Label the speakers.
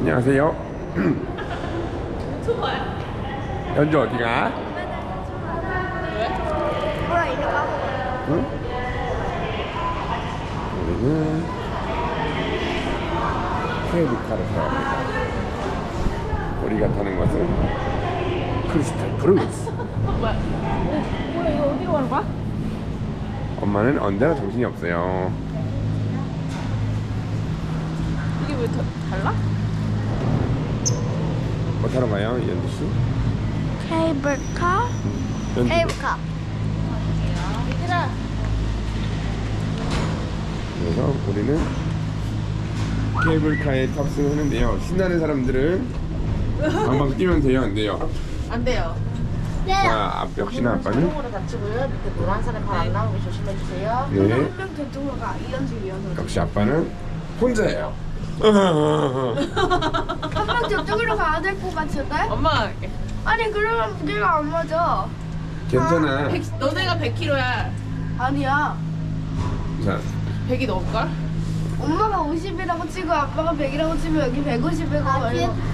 Speaker 1: 안녕하세요.
Speaker 2: 유튜버야.
Speaker 1: 연주 어디가?
Speaker 2: 왜?
Speaker 3: 뭐야 이리 와.
Speaker 1: 응? 우리는 케이블카를 타야 합니다. 우리가 타는 것은 크리스탈 프루스.
Speaker 2: 뭐야? 뭐야 이거 어디로 가는 거야?
Speaker 1: 엄마는 언제나 정신이 없어요.
Speaker 2: 이게 왜 달라?
Speaker 1: 뭐 타러 가요, 연주 씨?
Speaker 3: 케이블카?
Speaker 1: 연주.
Speaker 3: 케이블카.
Speaker 2: 얘들아.
Speaker 1: 그래서 우리는 케이블카에 탑승하는데요. 신나는 사람들은 방방 뛰면 돼요, 안 돼요?
Speaker 2: 안 돼요.
Speaker 1: 자, 역시나 아빠는
Speaker 4: 손목으로 다치고요. 밑에 노란 살에 발 안 나오게 조심해 주세요.
Speaker 1: 네.
Speaker 3: 한명 저쪽으로 가. 이현주.
Speaker 1: 역시 아빠는 혼자예요.
Speaker 3: 한 명 저쪽으로 가야 될 것 같은데?
Speaker 2: 엄마가 할게.
Speaker 3: 아니 그러면 무게가 안 맞아.
Speaker 1: 괜찮아.
Speaker 2: 너네가 100kg야.
Speaker 3: 아니야.
Speaker 1: 자,
Speaker 2: 100이 넘을걸?
Speaker 3: 엄마가 50이라고 치고 아빠가 100이라고 치면 여기 150이고